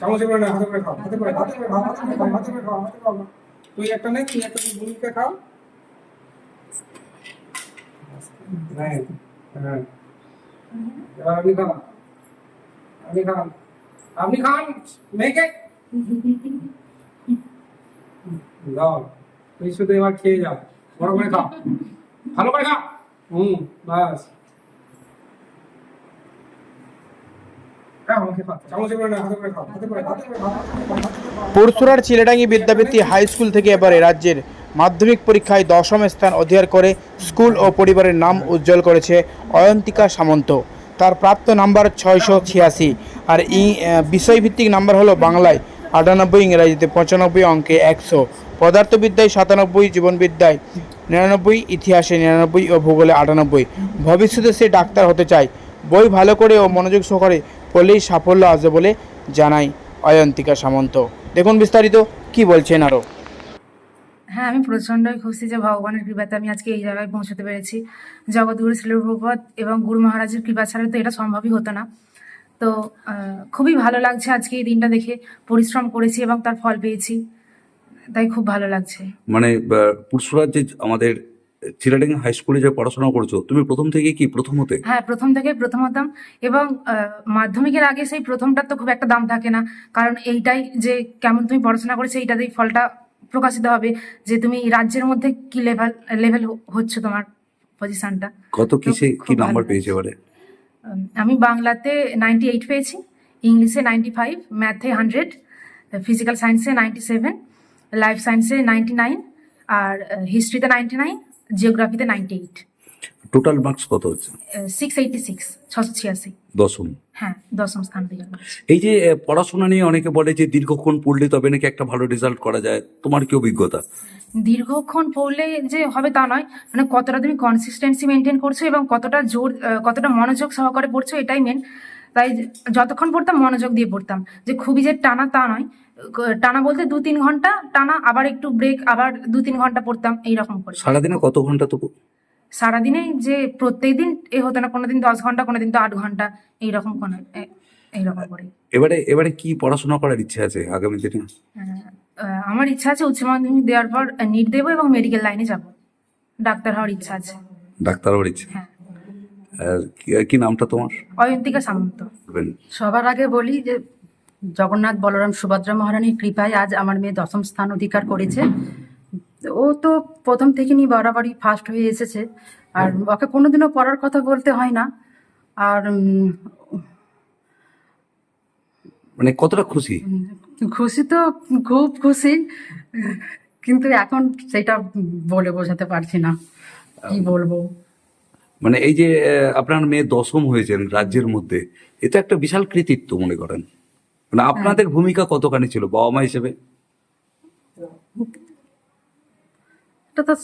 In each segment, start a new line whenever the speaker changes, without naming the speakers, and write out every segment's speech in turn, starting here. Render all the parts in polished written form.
চামচে করে না, হাতে করে খাও, হাতে করে, হাতে করে খাও, হাতে করে খাও, হাতে করে খাও, হাতে খাও। তুই একটা নে, তুই একটা বুনিকে খাও। হ্যাঁ, হ্যাঁ। এবার আপনি খান, আপনি খান, আপনি খান, মেয়েকে দাও। তুই শুধু এবার খেয়ে যাও, বড় করে খাও, ভালো করে খাও। বাস।
পরশুরার চিলেডাঙ্গি বিদ্যাপীঠী হাই স্কুল থেকে এবারে রাজ্যের মাধ্যমিক পরীক্ষায় 10ম স্থান অধিকার করে স্কুল ও পরিবারের নাম উজ্জ্বল করেছে অয়ন্তিকা সামন্ত। তার প্রাপ্ত নাম্বার 686 আর বিষয়ভিত্তিক নাম্বার হলো বাংলায় 98, ইংরাজিতে 95, অঙ্কে 100, পদার্থবিদ্যায় 97, জীবনবিদ্যায় 99, ইতিহাসে 99 ও ভূগোলে 98। ভবিষ্যতে সে ডাক্তার হতে চায়। বই ভালো করে ও মনোযোগ সহকারে পড়লেই সাফল্য আসবে বলে জানায় অয়ন্তিকা সামন্ত। দেখুন বিস্তারিত কি বলছেন আরও।
হ্যাঁ, আমি প্রচণ্ডই খুশি যে ভগবানের কৃপাতে আমি আজকে এই জায়গায় পৌঁছতে পেরেছি। জগৎগুরু শ্রী প্রভুপাদ এবং গুরু মহারাজের কৃপা ছাড়া তো এটা সম্ভবই হতো না। তো খুবই ভালো লাগছে আজকে এই দিনটা দেখে। পরিশ্রম করেছি এবং তার ফল পেয়েছি, তাই খুব ভালো লাগছে।
মানে পুরসুরার যে আমাদের চিলাডাঙ্গা হাই স্কুলে যে পড়াশোনা করছো, তুমি প্রথম থেকে কি প্রথম হতে?
হ্যাঁ, প্রথম থেকে প্রথম হতাম এবং মাধ্যমিকের আগে সেই প্রথমটার তো খুব একটা দাম থাকে না, কারণ এইটাই যে কেমন তুমি পড়াশোনা করেছো এইটাতেই ফলটা প্রকাশিত হবে যে তুমি রাজ্যের মধ্যে কি লেভেল হচ্ছে তোমার পজিশনটা।
কত কিসে কি নাম্বার পেয়েছে এবারে?
আমি বাংলাতে 98 পেয়েছি, ইংলিশে 95, ম্যাথে 100, ফিজিক্যাল সায়েন্সে 97, লাইফ সায়েন্সে 99, আর হিস্ট্রিতে 99, জিওগ্রাফিতে 98।
টোটাল মার্কস কত হচ্ছে?
686, 686।
দশম?
হ্যাঁ, 10ম স্থান অধিকার করেছি।
এই যে পড়াশোনা নিয়ে অনেকে বলে যে দীর্ঘক্ষণ পড়লে তবে নাকি একটা ভালো রেজাল্ট করা যায়, তোমার কি অভিজ্ঞতা?
দীর্ঘক্ষণ পড়লে যে হবে তা নয়, মানে কতটা তুমি কনসিস্টেন্সি মেনটেন করছো এবং কতটা কতটা মনোযোগ সহকারে পড়ছো, এটাই মেন। তাই যতক্ষণ পড়তাম মনোযোগ দিয়ে পড়তাম, যে খুবই যে টানা তা নয়। টানা বলতে 2-3 ঘন্টা টানা, আবার একটু ব্রেক, আবার 2-3 ঘন্টা পড়তাম, এইরকম করে।
সারাদিনে কত ঘন্টা তবু?
সারাদিনে যে প্রত্যেক দিন এ হতো না, কোনোদিন 10 ঘন্টা, কোনোদিন তো 8 ঘন্টা, এইরকম এইরকম করে।
এবারে কি পড়াশোনা করার ইচ্ছে আছে আগামী দিনে?
আমার ইচ্ছা আছে উচ্চ মাধ্যমিক দেওয়ার পর নিট দেবো এবং মেডিকেল লাইনে যাব, ডাক্তার হওয়ার ইচ্ছা আছে।
ডাক্তার হওয়ার ইচ্ছে?
হ্যাঁ।
কি নামটা তোমার?
অয়ন্তিকা সামন্ত।
সবার আগে বলি যে জগন্নাথ বলরাম সুভদ্রা মহারানীর কৃপায় আজ আমার মেয়ে 10ম স্থান অধিকার করেছে। ও তো প্রথম থেকে নিয়ে বরাবরই ফার্স্ট হয়ে এসেছে, আর ওকে কোনোদিনও পড়ার কথা বলতে হয় না। আর
মানে কতটা খুশি?
খুশি তো খুব খুশি, কিন্তু এখন সেটা বলে বোঝাতে পারছি না, কি বলবো।
মানে এই যে আপনার মেয়ে 10ম হয়েছেন রাজ্যের মধ্যে, এটা একটা বিশাল কৃতিত্ব মনে করেন? মানে আপনাদের ভূমিকা কতখানি ছিল বাবা মা হিসেবে?
এটা তো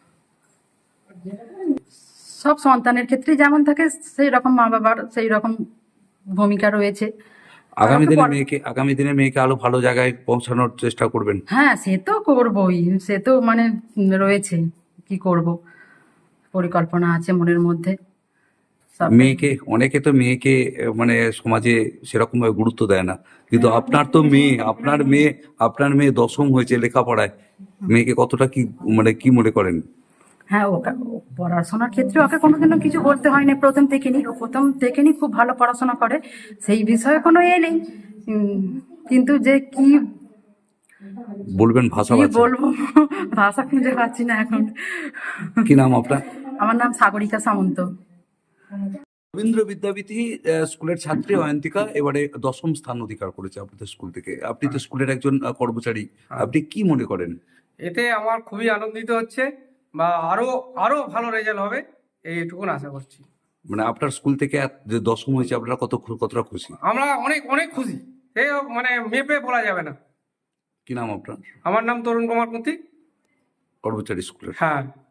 সব সন্তানের ক্ষেত্রে যেমন থাকে সেই রকম মা বাবার সেই রকম ভূমিকা রয়েছে।
আগামী দিনে মেয়েকে আরো ভালো জায়গায় পৌঁছানোর চেষ্টা করবেন?
হ্যাঁ, সে তো করবই, সে তো মানে রয়েছে, কি করব, পরিকল্পনা আছে মনের মধ্যে।
অনেকে তো মেয়েকে মানে সমাজে সেরকম ভাবে গুরুত্ব দেয় না, কিন্তু আপনার মেয়ে 10ম হয়েছে লেখাপড়ায়, মেয়েকে কতটা কি মনে করেন?
হ্যাঁ, ওকে পড়াশোনার ক্ষেত্রে ওকে কোনোদিনও কিছু বলতে হয়নি, প্রথম থেকে খুব ভালো পড়াশোনা করে, সেই বিষয়ে কোনো নেই। কিন্তু যে কি
বলবেন, ভাষা
বলবো, ভাষা খুঁজে পাচ্ছি না এখন।
কি নাম আপনার?
আমার নাম সাগরিকা সামন্ত।
রবীন্দ্র বিদ্যাপীঠী স্কুলের ছাত্রী অয়ন্তিকা এবারে 10ম স্থান অধিকার করেছে আপনাদের স্কুল থেকে। আপনি তো স্কুলের একজন কর্মচারী, আপনি কি মনে করেন?
এতে আমার খুবই আনন্দিত হচ্ছে, বা আরো ভালো রেজাল্ট হবে এইটুকুন আশা করছি।
মানে আপনার স্কুল থেকে যে 10ম হয়েছে আপনারা কতটা খুশি?
আমরা অনেক অনেক খুশি, মানে মেপে বলা যাবে না।
কি নাম আপনার?
আমার নাম তরুণ কুমার কুন্তি,
কর্মচারী স্কুলের।
হ্যাঁ।